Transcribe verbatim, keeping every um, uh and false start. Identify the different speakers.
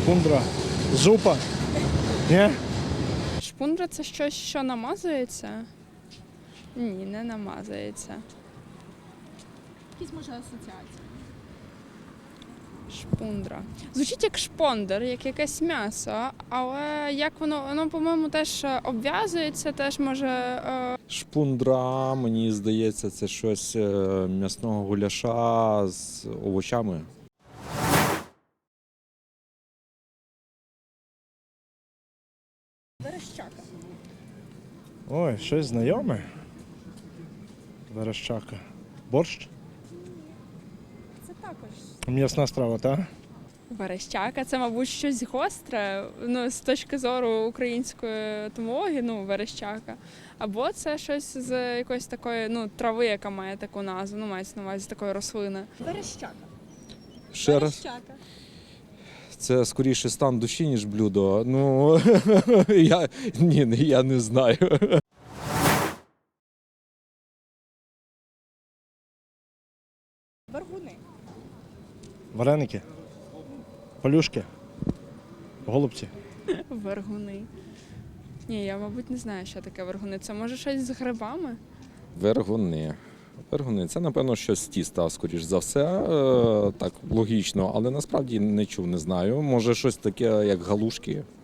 Speaker 1: Шпундра. Зупа. Ні?
Speaker 2: Шпундра – це щось, що намазується? Ні, не намазується.
Speaker 3: Якісь може асоціації.
Speaker 2: Шпундра. Звучить як шпондер, як якесь м'ясо, але як воно, воно, по-моєму, теж обв'язується, теж може. Е...
Speaker 4: Шпундра, мені здається, це щось е, м'ясного гуляша з овочами.
Speaker 3: Верещака.
Speaker 1: Ой, щось знайоме. Верещака. Борщ?
Speaker 3: Це також.
Speaker 1: М'ясна страва, так?
Speaker 2: Верещака – це, мабуть, щось гостре, ну, з точки зору української етимології, ну, верещака. Або це щось з якоїсь такої, ну, трави, яка має таку назву, ну, мається на увазі такої рослини.
Speaker 3: Верещака.
Speaker 4: Ще раз,
Speaker 3: Верещака.
Speaker 4: це скоріше стан душі, ніж блюдо. Ну, я, ні, я не знаю.
Speaker 3: Вергуни.
Speaker 1: Вареники. Полюшки. Голубці.
Speaker 2: Вергуни. Ні, я, мабуть, не знаю, що таке вергуни. Це може щось з грибами?
Speaker 4: Вергуни. Вергуни. Це, напевно, щось з тіста, скоріш за все. Е, так, логічно, але насправді не чув, не знаю. Може, щось таке, як галушки.